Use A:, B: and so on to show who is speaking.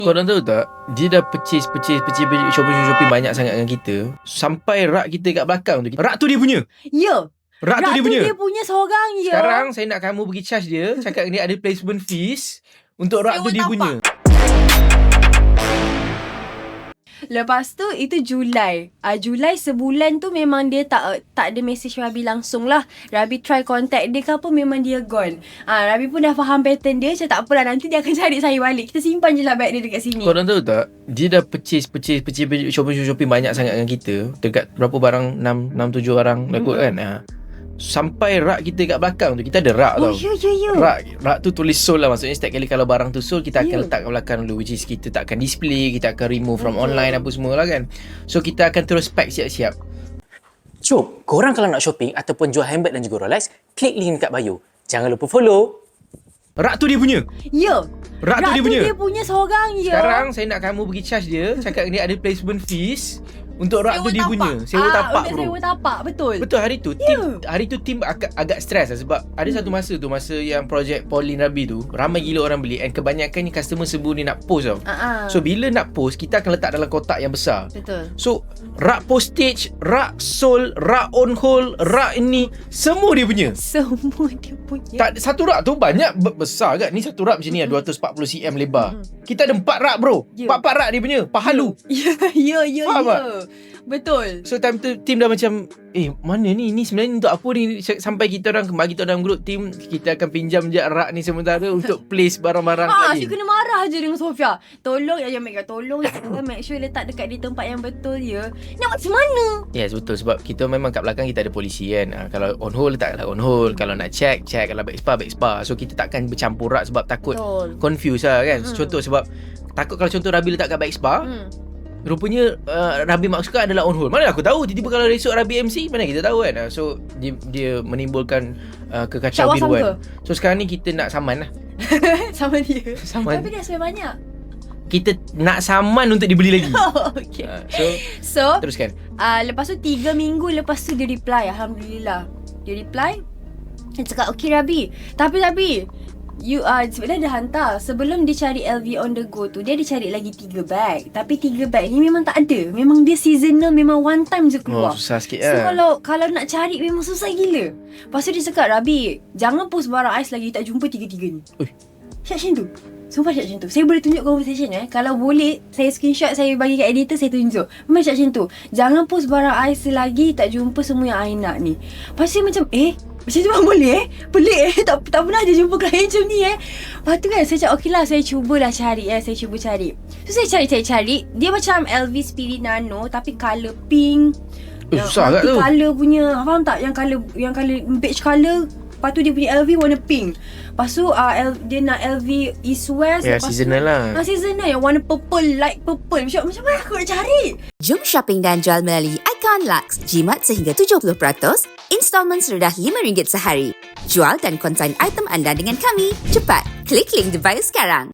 A: Korang tahu tak, dia dah purchase Shopee banyak sangat dengan kita, sampai rak kita kat belakang tu, rak tu dia punya.
B: Ya.
A: Rak tu dia
B: punya seorang je.
A: Sekarang saya nak kamu pergi charge dia. Cakap dia ada placement fees untuk rak tu dia punya.
B: Lepas tu itu Julai. Julai sebulan tu memang dia tak ada message Rabi langsung lah. Rabi try contact dia ke apa, memang dia gone. Rabi pun dah faham pattern dia. Macam tak apalah, nanti dia akan cari saya balik. Kita simpan je lah bag dia dekat sini.
A: Korang tahu tak, dia dah purchase Shopee banyak sangat dengan kita. Dekat berapa barang, 6-7 barang dah kot kan. Sampai rak kita kat belakang tu, kita ada rak tau.
B: Ya.
A: Rak tu tulis sold lah. Maksudnya setiap kali kalau barang tu sold, kita akan letak kat belakang dulu, which is kita takkan display, kita akan remove from online apa semua lah kan. So kita akan terus pack siap-siap.
C: Jom, korang kalau nak shopping ataupun jual handbag dan juga Rolex, klik link kat bio. Jangan lupa follow.
A: Rak tu dia punya.
B: Ya.
A: Rak tu dia
B: punya seorang je.
A: Sekarang saya nak kamu pergi charge dia. Cakap dia ada placement fees untuk rak tu dia punya. Sewa tapak bro.
B: Sewa tapak, betul.
A: Betul, hari tu tim agak stres lah. Sebab ada satu masa yang projek Pauline Rabi tu, ramai gila orang beli, and kebanyakan ni customer serbu ni nak post tau. So bila nak post, kita akan letak dalam kotak yang besar.
B: Betul.
A: So rak postage, rak sold, rak on hold, rak ini, semua dia punya.
B: Semua dia punya.
A: Tak, satu rak tu banyak besar kan. Ni satu rak macam ni 240 cm lebar. Kita ada 4 rak bro. 4 rak dia punya. Pahalu.
B: Ya.
A: Faham tak?
B: Betul.
A: So time tu tim dah macam, mana ni? Ni sebenarnya untuk apa ni? Sampai kita orang bagi tahu dalam grup tim, kita akan pinjam je rak ni sementara untuk place barang-barang lain.
B: Asyik kena marah je dengan Sofia. Tolong jangan make sure letak dekat di tempat yang betul ya. Nak macam mana?
A: Yes, betul. Sebab kita memang kat belakang kita ada polisi kan. Kalau on hold, letaklah on hold. Kalau nak check. Kalau back spa. So kita takkan bercampur rak sebab takut confuse lah kan. Contoh sebab takut kalau contoh Rabi letak kat back spa, rupanya Rabi maksudkan adalah on hold. Mana aku tahu, tiba-tiba kalau esok Rabi MC, mana kita tahu kan. So dia menimbulkan kekacauan biruan. So sekarang ni kita nak saman lah.
B: Sama dia.
A: Saman.
B: Tapi dia sebenarnya banyak.
A: Kita nak saman untuk dibeli lagi.
B: Okay.
A: So teruskan.
B: Lepas tu 3 minggu lepas tu dia reply. Alhamdulillah. Dia reply. Dia cakap, okay Rabi, Tapi sebenarnya dia hantar. Sebelum dia cari LV on the go tu, dia ada cari lagi 3 bag. Tapi 3 bag ni memang tak ada. Memang dia seasonal, memang one time je keluar.
A: Susah sikit
B: So
A: lah.
B: kalau nak cari memang susah gila. Lepas tu dia cakap, Rabi, jangan post barang ais lagi, tak jumpa 3-3 ni. Cakap macam tu. Sumpah cakap macam tu. Saya boleh tunjuk conversation kalau boleh, saya screenshot, saya bagi kat editor, saya tunjuk. Memang cakap macam tu. Jangan post barang ais lagi, tak jumpa semua yang I nak ni. Lepas tu saya macam, macam tu pun boleh pelik tak pernah je jumpa klien macam ni Lepas tu kan saya cakap, okey lah, saya cubalah cari saya cuba cari. So saya cari. Dia macam LV Spirit Nano tapi colour pink.
A: Susah kat tu.
B: Colour punya, faham tak? Yang colour beige colour. Lepas tu dia punya LV warna pink. Lepas tu dia nak LV East West.
A: Seasonal lah.
B: Seasonal yang warna purple, light purple. Macam mana aku nak cari?
D: Jom shopping dan jual melalui Icon Lux. Jimat sehingga 70%, installment serendah RM5 sehari. Jual dan konsign item anda dengan kami. Cepat, klik link di bio sekarang.